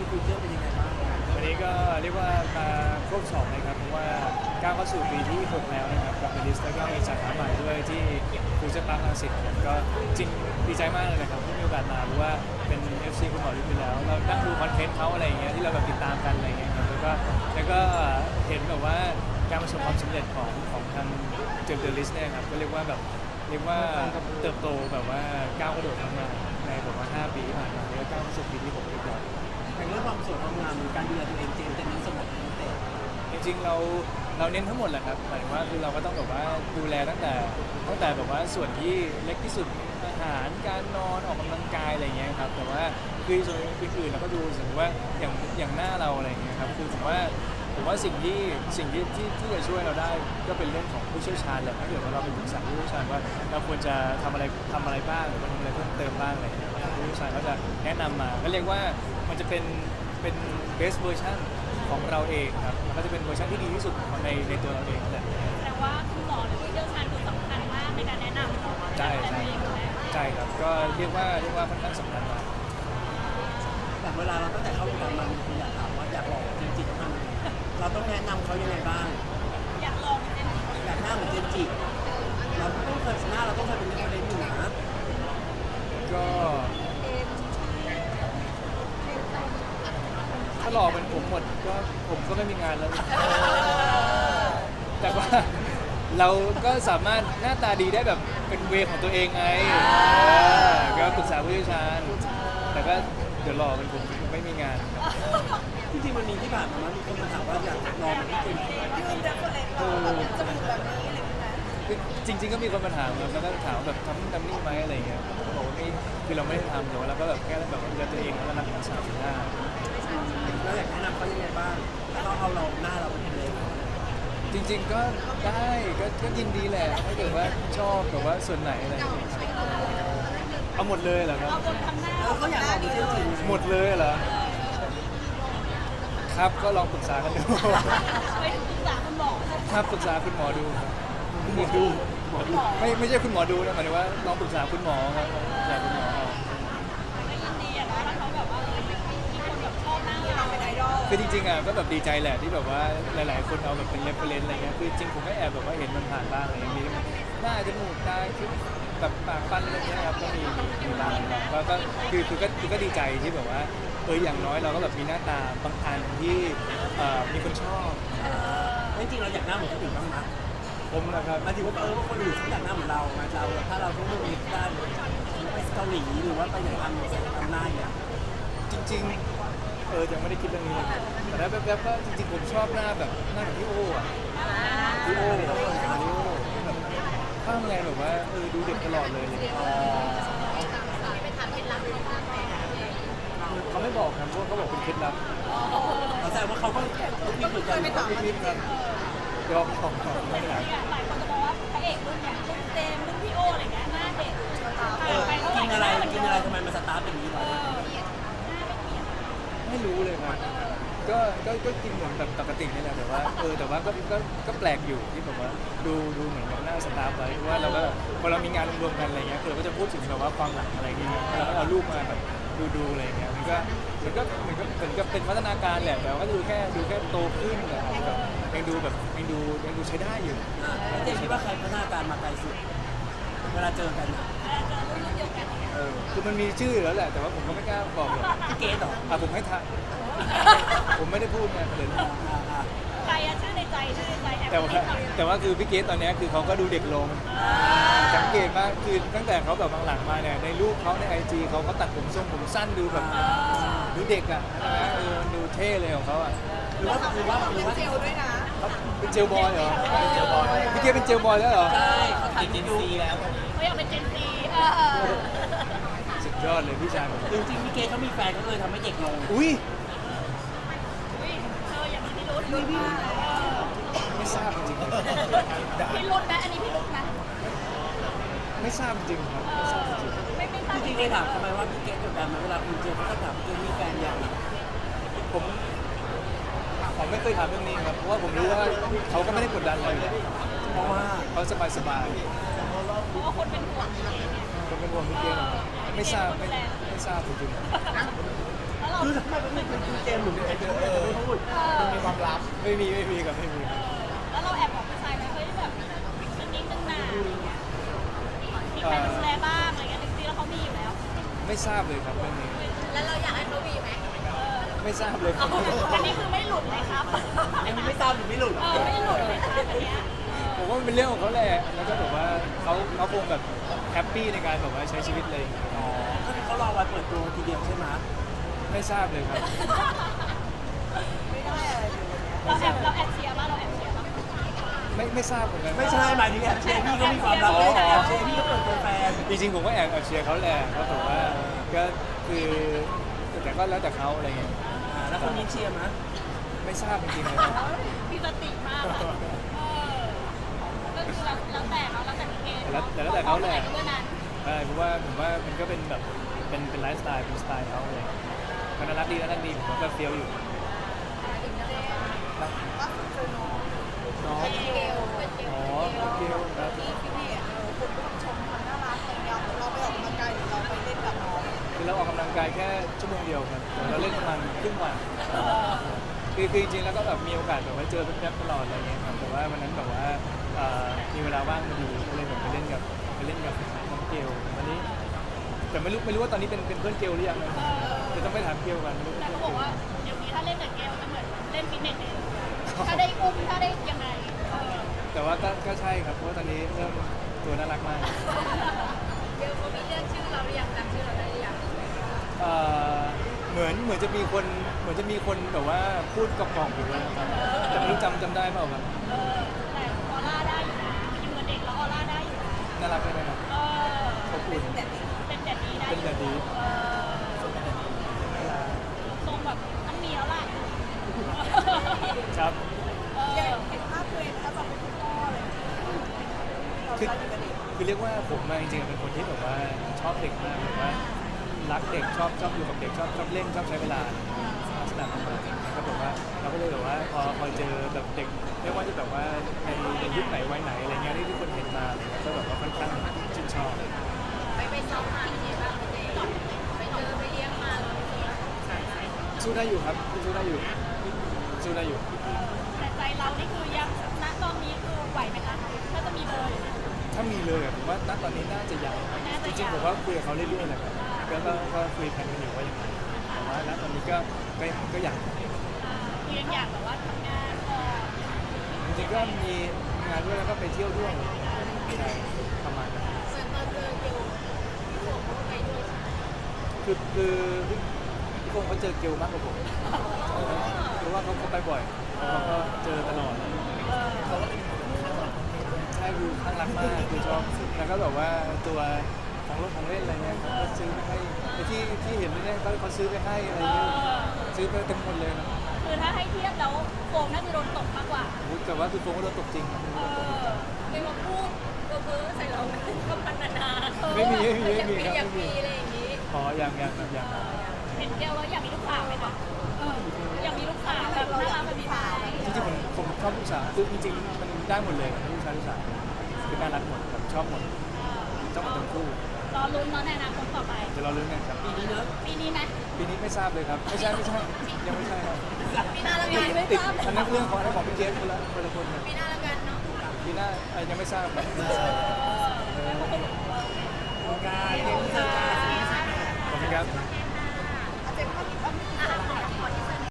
ฟิวเจอร์เป็นยังไงบ้างวันนี้ก็เรียกว่ามาครบ2เลยครับเพราะว่าก้าวเข้าสู่ปีที่6แล้วนะครับกับเมลิสแล้วก็มีสาขาใหม่ด้วยที่ฟูเจอร์พาร์ครังสิตครับก็จริงดีใจมากเลยนะครับที่มีโอกาสมาเพราะว่าเป็น FC คุณหมอฤทธิ์ไปแล้วเรานั่งดูคอนเทนต์เขาอะไรอย่างเงี้ยที่เราแบบติดตามกันอะไรอย่างเงี้ยครับแล้วก็เห็นแบบว่าการประสบความสำเร็จของทางเจมส์เดอะลิสเนี่ยครับก็เรียกว่าเติบโตแบบว่าก้าวกระโดดมากๆในแบบว่า5 ปีที่ผ่านมาแล้วก็ก้าวเข้าสู่ปีที่6เรียบร้อยอย่างเรื่องความสวยความงามหรือการดูแลตัวเองเจมส์จะเน้นสมองเป็นพิเศษจริงๆเราเน้นทั้งหมดแหละครับหมายถึงว่าคือเราก็ต้องแบบว่าดูแลตั้งแต่แบบว่าส่วนที่เล็กที่สุดอาหารการนอนออกกำลังกายอะไรเงี้ยครับแต่ว่าคือส่วนอื่นๆเราก็ดูสมมติว่าอย่างหน้าเราอะไรเงี้ยครับคือผมว่าสิ่งที่จะช่วยเราได้ก็เป็นเรื่องของผู้เชี่ยวชาญแหละถ้าเกิดว่าเราไปปรึกษาผู้เชี่ยวชาญว่าเราควรจะทำอะไรบ้างหรือว่าทำอะไรเพิ่มเติมบ้างอะไรเงี้ยผู้เชี่ยวชาญก็จะแนะนำมาก็เรียกว่ามันจะเป็น best version ของเราเองครับมันก็จะเป็นเวอร์ชันที่ดีที่สุดของในตัวเราเองแหละแสดงว่าคุณหมอหรือผู้เชี่ยวชาญคือสำคัญมากในการแนะนำเราใช่ดูแลใช่ตัวเองอยู่แล้วใช่ครับก็เรียกว่าค่อนข้างสำคัญมากแบบเวลาเราตั้งแต่เข้าวงการมามีคนอยากถามว่าอยากลองเจมส์จิต้องทำยังไงเราต้องแนะนำเขายังไงบ้างอยากลองเป็นจริงอยากหน้าเหมือนเจมส์จิเราต้องเคยหน้าเราต้องเคยเป็นนักเรียนอยู่นะก็ถ้าหล่อเป็นผมหมดก็ผมก็ไม่มีงานแล้ว แต่ว่าเราก็สามารถหน้าตาดีได้แบบเป็นเวของตัวเองไงก็ปรึกษาผู้เชี่ยวชาญแต่ก็เดี๋ยวหล่อเป็นผมไม่มีงานครับจริงๆมันมีที่ผ่านมามีคนมาถามว่าอยากลองเหมือนที่เจมส์จิจริงๆก็มีคนมาถามครับแล้วก็ถามแบบทำนู่นทำนี่ไหมอะไรเงี้ยผมก็บอกว่าไม่คือเราไม่ได้ทำแต่ว่าเราก็แบบแค่แบบดูแลตัวเองแล้วก็รักษาสุขภาพเราอยากแนะนำเขายังไงบ้างแล้วเขาเอาเราหน้าเราเป็นเลยจริงๆก็ได้ก็ยินดีแหละถ้าเกิดว่าชอบแต่ว่าส่วนไหนอะไรอย่างเงี้ยครับเอาหมดเลยเหรอครับเอาคนทำหน้าแล้วเขาอยากลองเป็นเจมส์จิหมดเลยเหรอครับก็ลองปรึกษากันดูไปปรึกษาคุณหมอครับปรึกษาคุณหมอดูครับไม่ใช่คุณหมอดูนะหมายถึงว่าลองปรึกษาคุณหมอครับปรึกษาคุณหมอเอาก็ยินดีอะนะถ้าเขาแบบว่ามีคนแบบชอบหน้าเราเป็นไอดอลคือจริงๆอ่ะก็แบบดีใจแหละที่แบบว่าหลายๆคนเอาแบบเป็นเรฟเฟรนซ์อะไรเงี้ยคือจริงผมก็แอบแบบว่าเห็นมันผ่านบ้างอะไรอย่างเงี้ยมีหน้าจมูกตาคิ้วแบบปากฟันอะไรเงี้ยครับก็มีบ้างก็คือก็ดีใจที่แบบว่าอย่างน้อยเราก็แบบมีหน้าตาบางอันที่มีคนชอบจริงๆเราอยากหน้าเหมือนคนอื่นบ้างนะผมนะครับหมายถึงว่าว่าคนอื่นเขาอยากหน้าเหมือนเรามาเราถ้าเราต้องเลือกเล็กได้ไปเกาหลีหรือว่าไปไหนทำหน้าอย่างจริงๆยังไม่ได้คิดเรื่องนี้เลยแต่ถ้าแบบก็จริงๆผมชอบหน้าแบบหน้าแบบพี่โอ้อะพี่โอ้แบบข้างไงแบบว่าดูเด็กตลอดเลยเขาไม่บอกครับเพราะเขาบอกเป็นเคล็ดลับเราแสดงว่าเขาก็มีเหมือนกันพี่ครับยอมของไม่ได้หลายคนจะบอกว่าพระเอกรุ่นอย่างรุ่นเจมส์รุ่นพี่โออะไรเงี้ยหน้าเด็กกินอะไรทำไมมันสตาร์ทเป็นอย่างนี้วะไม่รู้เลยครับก็กินเหมือนแบบปกตินี่แหละแต่ว่าแต่ว่าก็แปลกอยู่ที่แบบว่าดูเหมือนกับหน้าสตาร์ไว้เพราะว่าเราก็พอเรามีงานรวมๆกันอะไรเงี้ยเราก็จะพูดถึงแบบว่าความหลังอะไรอย่างเงี้ยเราก็เอารูปมาแบบดูอะไรเงี้ยมันก็เหมือนกับเป็นพัฒนาการแหละแต่ว่าก็ดูแค่โตขึ้นนะครับแบบยังดูใช้ได้อยู่เจมคิดว่าใครพัฒนาการมาไกลสุดเวลาเจอกันคือมันมีชื่ออยู่แล้วแหละแต่ว่าผมก็ไม่กล้าบอกหรอกพี่เกดหรอผมให้ทายผมไม่ได้พูดไงประเด็นใครอะชื่อในใจแอบแต่ว่าคือพี่เกสตอนนี้คือเขาก็ดูเด็กลงสังเกตว่าคือตั้งแต่เขาแบบหลังๆมาเนี่ยในรูปเขาในIGเขาตัดผมทรงผมสั้นดูแบบดูเด็กอ่ะนะดูเท่เลยของเขาอ่ะหรือว่าเจลด้วยนะเขาเป็นเจลบอยเหรอพี่เกสเป็นเจลบอยแล้วเหรอใช่เขาถ่ายเจนซีแล้วเขาอยากเป็นเจนซีสุดยอดเลยพี่ชายผมจริงๆพี่เกดเขามีแฟนเขาเลยทำให้เด็กลงอุ้ยอย่างที่รุ่นไม่ทราบจริงพี่รุ่นไหมอันนี้พี่รุ่นไหมๆไม่ทราบจริงครับไม่ทราบจริงไม่ทราบจริงๆเคยถามทำไมว่าพี่เกดกดดันไหมเวลาคุณเจอเขาก็ถามเจอมีแฟนยังผมไม่เคยถามเรื่องนี้ครับเพราะว่าผมรู้ว่าเขาก็ไม่ได้กดดันอะไรอยู่แล้วเพราะว่าเขาสบายเพราะว่าคนเป็นห่วงๆผมเป็นห่วงพี่เกสไม่ทราบจริงๆแล้วเราคือทำไมเป็นคือเจมส์หรือเป็นใครจะไม่พูดมันมีความลับไม่มีกับไม่มีแล้วเราแอบบอกผู้ชายไหมเฮ้ยแบบนิดนึงนะอะไรเงี้ยมีใครมาดูแลบ้างอะไรเงี้ยจริงๆแล้วเขามีอยู่แล้วไม่ทราบเลยครับเรื่องนี้แล้วเราอยากให้เขามีไหมไม่ทราบเลยครับอันนี้คือไม่หลุดเลยครับอันนี้ไม่ทราบหรือไม่หลุดไม่หลุดเลยครับอันเนี้ยผมว่ามันเป็นเรื่องของเขาแหละแล้วก็แบบว่าเขาคงแบบแฮปปี้ในการแบบว่าใช้ชีวิตเลยอ๋อก็คือเขารอวันเปิดตัวทีเดียวใช่ไหมไม่ทราบเลยครับเราแอบเชียร์ป่ะเราแอบเชียร์ป่ะไม่ทราบเหมือนกันไม่ใช่หมายถึงแอบเชียร์พี่ก็มีความลับไม่แต่แอบเชียร์พี่ก็เปิดตัวแฟนจริงๆผมก็แอบเชียร์เขาแหละก็ถือว่าก็คือแต่ก็แล้วแต่เขาอะไรเงี้ยแล้วคนนี้เชียร์มั้ยไม่ทราบจริงๆเลยครับมีสติมากอะก็คือแล้วแต่เขาแล้วแต่พี่เกมแล้วแต่เขาแหละเมื่อนั้นใช่เพราะว่าผมว่ามันก็เป็นแบบเป็นไลฟ์สไตล์เป็นสไตล์เขาเลยเขาน่ารักดีผมก็เฟี้ยวอยู่น้องเป็นเกลเป็นเกลอ๋อเกียวครับที่ฟิตเนสคุณผู้ชมความน่ารักอะไรเงี้ยเราไปออกกำลังกายหรือเราไปเล่นกับน้องคือเราออกกำลังกายแค่ชั่วโมงเดียวครับแต่เราเล่นประมาณครึ่งวันคือจริงๆแล้วก็แบบมีโอกาสแบบว่าเจอแป๊บๆตลอดอะไรเงี้ยครับแต่ว่าวันนั้นแบบว่ามีเวลาว่างพอดีก็เลยแบบไปเล่นกับน้องเกลวันนี้ แต่ไม่รู้ว่าตอนนี้เป็นเพื่อนเกลหรือยังนะเดี๋ยวต้องไปถามเกลกันไม่รู้แต่เขาบอกว่าเดี๋ยวนี้ถ้าเล่นกับเกลจะเหมือนเล่นฟิตเนสเองถ้าได้อุ้มถ้าได้ยังไงแต่ว่าก็ใช่ครับเพราะว่าตอนนี้เริ่มตัวน่ารักมากเกลเขามีเรียกชื่อเราหรือยังจำชื่อเราได้หรือยังเหมือนจะมีคนแบบว่าพูดกล่อมๆอยู่นะครับแต่ไม่รู้จำได้เปล่าครับแต่ออร่าได้อยู่นะอยู่กับเด็กแล้วออร่าได้อยู่นะน่ารักใช่ไหมครับขอบคุณเป็นแบบนี้ได้เป็นแบบนี้ทรงแบบมันมีแล้วล่ะครับเห็นภาพตัวเองถ้าจะเป็นคุณพ่อเลยเราคืออยู่กับเด็กคือเรียกว่าผมมาจริงๆเป็นคนที่แบบว่าชอบเด็กมากแบบว่ารักเด็กชอบอยู่กับเด็กชอบเล่นชอบใช้เวลาลักษณะประมาณนี้ก็แบบว่าเราก็เลยแบบว่าพอเจอแบบเด็กไม่ว่าจะแบบว่าในยุคไหนวัยไหนอะไรเงี้ยที่ทุกคนเห็นมาอะไรเงี้ยก็แบบว่าค่อนข้างชื่นชอบไปซ้อมมาเป็นไงบ้างเจ๊ไปเจอไปเลี้ยงมาแล้วสู้ได้อยู่ครับสู้ได้อยู่แต่ใจเรานี่คือยังณตอนนี้คือไหวไหมคะถ้าจะมีเบอร์อยู่เนี่ยถ้ามีเลยอะผมว่าณตอนนี้น่าจะยังน่าจะจยังริงๆผมว่าคุยกับเขาเรื่อยๆแหละครับก็คุยกันอยู่ว่ายังไงแต่ว่าณตอนนี้ก็อยากคือยังอยากแบบว่าทำงานจริงๆก็มีงานด้วยแล้วก็ไปเที่ยวด้วยใช่ประมาณนั้นเหมือนตอนเจอเกลพี่โฟเขาไปด้วยคือพี่คงเขาเจอเกลมากกว่าผมเพราะว่าเขาไปบ่อยเขาก็เจอตลอดใช่คือข้างรักมากคือชอบแล้วก็แบบว่าตัวของเล่นอะไรเงี้ยเขาก็ซื้อไปให้ไอ้ที่เห็นเนี่ยเขาซื้อไปให้อะไรเงี้ยซื้อไปเต็มหมดเลยนะคือถ้าให้เทียบแล้วโฟมน่าจะโดนตกมากกว่าแต่ว่าคือโฟงก็โดนตกจริงครับไม่มาพูดเพ้อใส่เราก็พันนาไม่มีอยากครับมีอะไรอย่างนี้อ๋อยังเห็นเกลแล้วอยากมีลูกสาวไหมคะอยากมีลูกสาวแบบน่ารักแบบนี้ไหมจริงๆผมชอบลูกสาวคือจริงๆมันได้หมดเลยลูกชายลูกสาวคือน่ารักหมดผมชอบหมดทั้งคู่รอลุ้นเนาะในอนาคตต่อไปจะรอลุ้นกันครับปีนี้เนอะปีนี้ไหมปีนี้ไม่ทราบเลยครับไม่ใช่ยังไม่ใช่ครับปีหน้าละกันไม่ติดทราบอันนั้นเรื่องของพี่เจสคนละคนครับปีหน้าละกันเนาะปีหน้ายังไม่ทราบครับการเรียนรู้จักการขอบคุณครับ